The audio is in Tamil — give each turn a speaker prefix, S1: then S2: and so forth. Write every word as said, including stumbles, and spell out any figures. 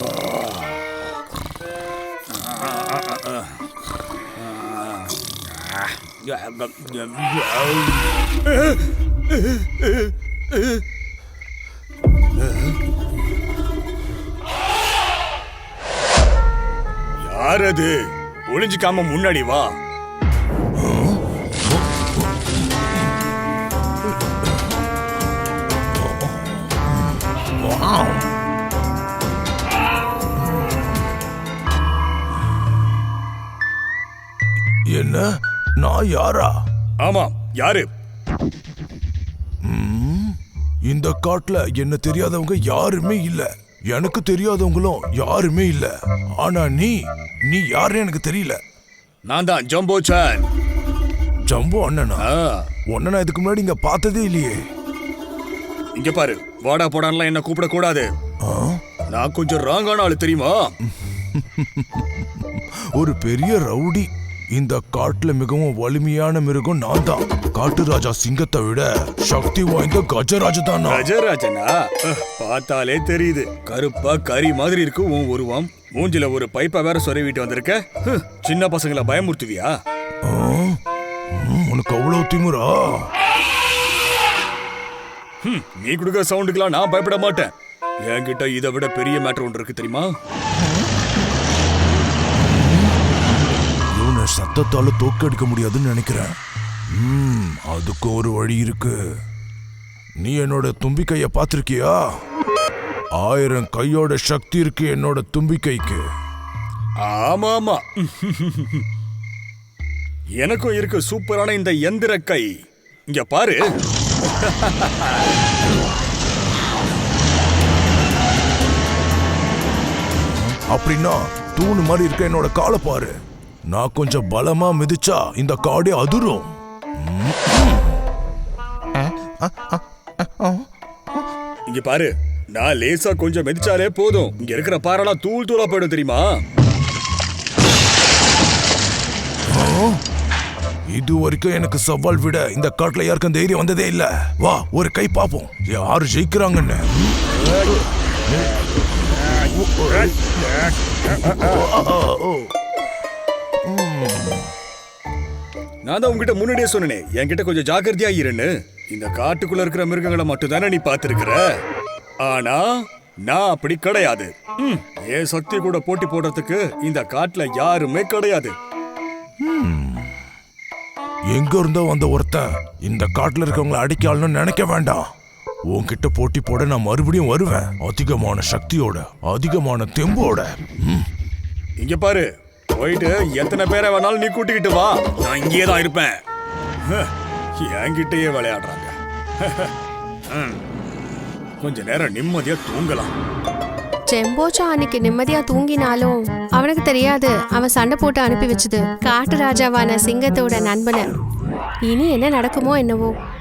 S1: யார் அது? ஒளிஞ்சிக்காம முன்னாடி வா.
S2: என்ன? நான் யாரா?
S1: ஆமா, யாரு?
S2: இந்த காட்டுல என்ன தெரியாதவங்க யாருமே இல்ல, எனக்கு தெரியாதவங்களும் யாருமே இல்ல. ஆனா நீ நீ யாருன்னு எனக்கு தெரியல.
S1: நான் தான் ஜம்போ சான்.
S2: ஜம்போ அண்ணனா? உன்ன நான் இதுக்கு முன்னாடி இங்க பார்த்ததே இல்லையே.
S1: இங்க பாரு, வாடா போடான்லாம் என்ன கூப்பிட கூடாது. நான் கொஞ்சம் ராங்கான ஆளு தெரியுமா?
S2: ஒரு பெரிய ரவுடி. இந்த காட்டுல மிகவும் வலிமையான மிருகம் நான் தான். காட்டு ராஜா சிங்கத்தை விட சக்தி வாய்ந்த கஜராஜ தான்.
S1: கஜராஜனா? பார்த்தாலே தெரியுது. கருப்பா கறி மாதிரி இருக்கு உன் உருவம். மூஞ்சில ஒரு பைப்பை வேற சொருவிட்டு வந்திருக்க. சின்ன பசங்களை பயமுறுத்துவியா?
S2: உனக்கு அவ்வளவு திமிரா?
S1: நீ கொடுக்குற சவுண்டுக்கெல்லாம் நான் பயப்பட மாட்டேன். என்கிட்ட இதை விட பெரிய மேட்டர் ஒன்று இருக்கு தெரியுமா?
S2: இவனை சத்தத்தால தோக்கடிக்க முடியாதுன்னு நினைக்கிறேன். ம், அதுக்கு ஒரு வழி இருக்கு. நீ என்னோட தும்பிக்கைய பார்த்திருக்கியா? ஆயிரம் கையோட சக்தி இருக்கு என்னோட தும்பிக்கைக்கு.
S1: ஆமா ஆமா, எனக்கும் இருக்கு சூப்பரான இந்த எந்திர கை. இங்க பாரு.
S2: அப்படின்னா தூணு மாதிரி இருக்க என்னோட காலை பாரு. நான் கொஞ்சம் பலமா மிதிச்சா இந்த காடே அதிரும்.
S1: இங்க பாரு, நான் லேசா கொஞ்சம் மிதிச்சாலே போதும், இங்க இருக்கிற பாறைலாம் தூள் தூளா போயிடும் தெரியுமா?
S2: இது வரைக்கும் எனக்கு சவால் விட இந்த காட்டுல யாருக்கும் தைரியம் வந்ததே இல்ல. வா, ஒரு கை பாப்போம் யாரு ஜெயிக்கிறாங்கன்னு.
S1: நான் தான் உங்ககிட்ட முன்னாடியே சொன்னேன், என்கிட்ட கொஞ்சம் ஜாக்கிரதையா இருன்னு. இந்த காட்டுக்குள்ள இருக்கிற மிருகங்களை மட்டும் தானே நீ பாத்துருக்கிற. ஆனா நான் அப்படி கிடையாது. என் சக்தி கூட போட்டி போடுறதுக்கு இந்த காட்டுல யாருமே கிடையாது.
S2: எங்க இருந்தோ வந்த ஒருத்தன் இந்த காட்டுல இருக்கவங்களை அடிக்கணும்னு நினைக்க வேண்டாம். உன்கிட்ட போட்டி போட நான் மறுபடியும் வருவேன், அதிகமான சக்தியோட, அதிகமான தெம்போட.
S1: இங்க பாரு, போயிட்டு எத்தனை பேரை வேணாலும் நீ கூட்டிக்கிட்டு வா, நான் இங்கேயே தான் இருப்பேன். என்கிட்டயே விளையாடுறாங்க. கொஞ்ச நேரம் நிம்மதியா தூங்கலாம்.
S3: ஜெம்போச்சா அன்னைக்கு நிம்மதியா தூங்கினாலும் அவனுக்கு தெரியாது அவன் சண்டை போட்டு அனுப்பி வச்சது காட்டு ராஜாவான சிங்கத்தோட நண்பனை. இனி என்ன நடக்குமோ என்னவோ.